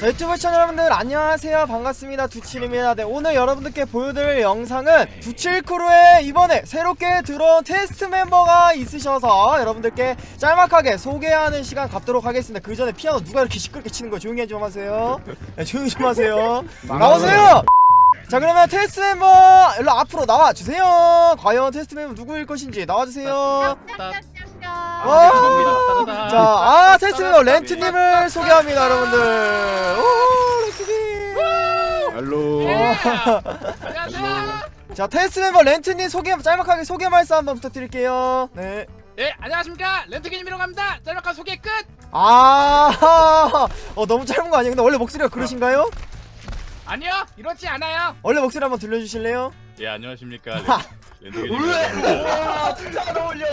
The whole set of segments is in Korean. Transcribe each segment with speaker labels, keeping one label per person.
Speaker 1: 유튜브 시청자 여러분들 안녕하세요, 반갑습니다. 두칠입니다. 네, 오늘 여러분들께 보여드릴 영상은 두칠크루에 이번에 새롭게 들어온 테스트 멤버가 있으셔서 여러분들께 짤막하게 소개하는 시간 갖도록 하겠습니다. 그 전에 피아노 누가 이렇게 시끄럽게 치는 거예요? 조용히 좀 하세요. 네, 조용히 좀 하세요. 나오세요. 자, 그러면 테스트 멤버 일로 앞으로 나와주세요. 과연 테스트 멤버 누구일 것인지 나와주세요. 자, 테스트 멤버 렌트님을 소개합니다, 여러분들. 오, 렌트님.
Speaker 2: 할로.
Speaker 1: 자, 테스트 멤버 렌트님 짤막하게 소개 말씀 한번 부탁드릴게요. 네.
Speaker 3: 네, 안녕하십니까, 렌트기님이라고 합니다. 짤막한 소개 끝.
Speaker 1: 너무 짧은 거 아니에요? 근데 원래 목소리가 그러신가요?
Speaker 3: 아니요, 이렇지 않아요.
Speaker 1: 원래 목소리 한번 들려주실래요?
Speaker 2: 예, 안녕하십니까. 렌트기입니다.
Speaker 4: 진짜 안 어울려.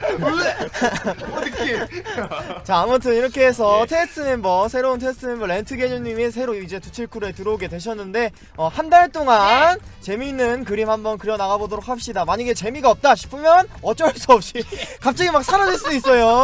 Speaker 4: 느낌.
Speaker 1: 자, 아무튼 이렇게 해서
Speaker 2: 예.
Speaker 1: 새로운 테스트 멤버 렌트게뉴님이 새로 이제 두칠크루에 들어오게 되셨는데, 한 달 동안 재미있는 그림 한번 그려 나가보도록 합시다. 만약에 재미가 없다 싶으면 어쩔 수 없이 갑자기 막 사라질 수도 있어요.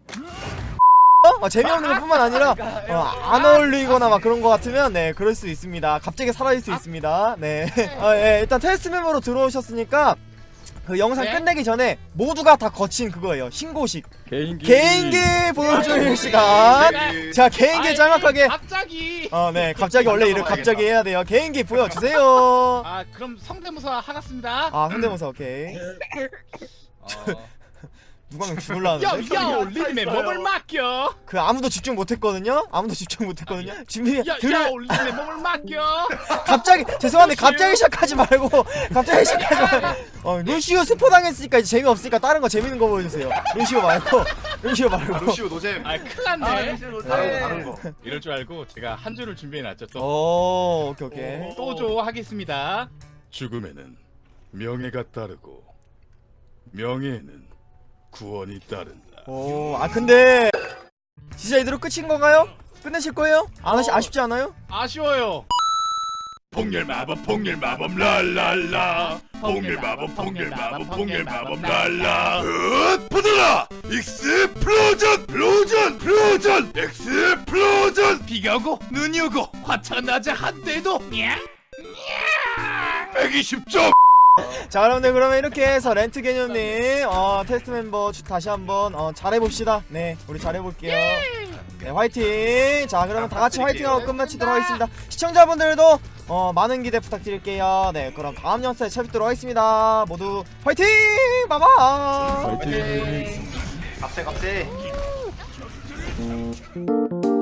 Speaker 1: 재미없는 것 뿐만 아니라 안 어울리거나 막 그런 것 같으면 네, 그럴 수 있습니다. 갑자기 사라질 수 있습니다. 네. 일단 테스트 멤버로 들어오셨으니까 그 영상
Speaker 3: 네?
Speaker 1: 끝내기 전에 모두가 다 거친 그거예요. 신고식
Speaker 2: 개인기
Speaker 1: 보여줄 시간. 자, 개인기 짤막하게.
Speaker 3: 갑자기.
Speaker 1: 네, 갑자기 원래 이렇게 갑자기 해야 돼요. 개인기 보여주세요.
Speaker 3: 그럼 성대모사 하겠습니다.
Speaker 1: 성대모사 오케이. 누가 명 죽을라는데?
Speaker 3: 야, 리듬에 몸을 맡겨.
Speaker 1: 그 아무도 집중 못했거든요. 준비.
Speaker 3: 야, 리듬에 몸을 맡겨.
Speaker 1: 갑자기 죄송한데 갑자기 시작하지 말고 루시오 스포 당했으니까 이제 재미없으니까 다른 거 재밌는 거 보여주세요. 루시오 말고.
Speaker 4: 루시오 노잼.
Speaker 3: 큰일 났네.
Speaker 4: 다른 거.
Speaker 2: 이럴 줄 알고 제가 한 줄을 준비해놨죠. 또
Speaker 1: 오케이.
Speaker 3: 또조 하겠습니다.
Speaker 2: 죽음에는 명예가 따르고 명예에는 구원이 따른다.
Speaker 1: 근데 진짜 이대로 끝인 건가요? 끝내실 거예요? 아쉽지 않아요?
Speaker 3: 아쉬워요.
Speaker 2: 폭렬 마법 랄랄라. 폭렬 마법 랄라. 보더라. 익스플로전 익스플로전.
Speaker 3: 비가 오고 눈이 오고 화창한 낮에 한때도
Speaker 2: 120점.
Speaker 1: 자, 여러분들 그러면 이렇게 해서 렌트 개념님 테스트 멤버 다시 한번 잘해봅시다. 네, 우리 잘해볼게요. 네, 화이팅. 자, 그러면 다같이 화이팅하고 끝마치도록 하겠습니다. 시청자분들도 많은 기대 부탁드릴게요. 네, 그럼 다음 영상에 찾뵙도록 하겠습니다. 모두 화이팅! 바이바이.
Speaker 4: 값세.